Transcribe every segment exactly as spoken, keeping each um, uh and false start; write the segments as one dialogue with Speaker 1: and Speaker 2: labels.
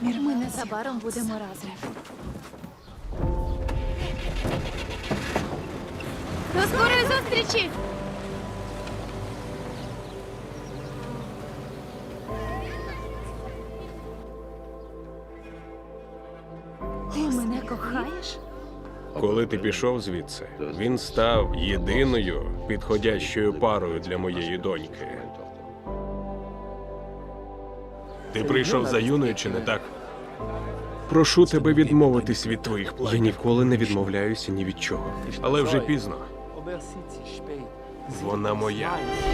Speaker 1: Ми незабаром будемо разом. До скорої зустрічі! Ти мене кохаєш?
Speaker 2: Коли ти пішов звідси, він став єдиною підходящою парою для моєї доньки. Ти прийшов за Юною, чи не так? Прошу тебе відмовитись від твоїх
Speaker 3: Я
Speaker 2: планів.
Speaker 3: ніколи не відмовляюся ні від чого.
Speaker 2: Але вже пізно. Вона моя.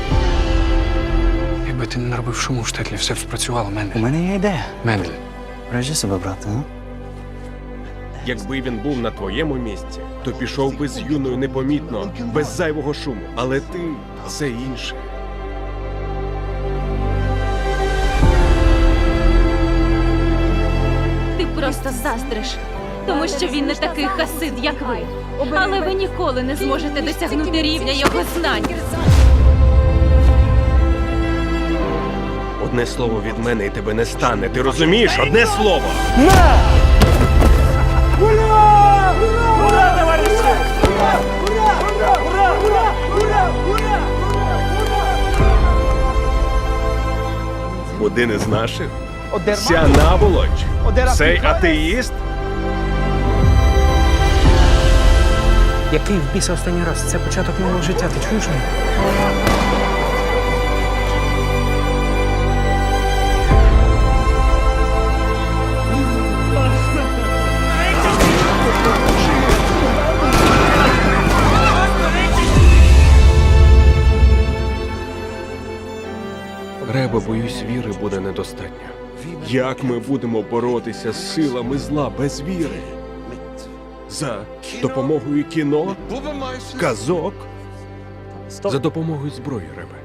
Speaker 4: Якби ти не наробив шуму в штетлі, все б спрацювало,
Speaker 5: У
Speaker 4: Мендель.
Speaker 5: мене є ідея.
Speaker 4: Мендель.
Speaker 5: Бережи себе, брате, а?
Speaker 2: Якби він був на твоєму місці, то пішов би з Юною непомітно, без зайвого шуму. Але ти – це інше.
Speaker 1: Ти просто заздриш, тому що він не такий хасид, як ви. Але ви ніколи не зможете досягнути рівня його знань.
Speaker 2: Одне слово від мене і тебе не стане. Ти розумієш? Одне слово! Один із наших? Ця наволоч? Цей атеїст?
Speaker 4: Який в біса останній раз? Це початок нового життя, ти чуєш мене?
Speaker 2: Ребе, боюсь, віри буде недостатньо. Як ми будемо боротися з силами зла без віри? За допомогою кіно? Казок? За допомогою зброї, Ребе.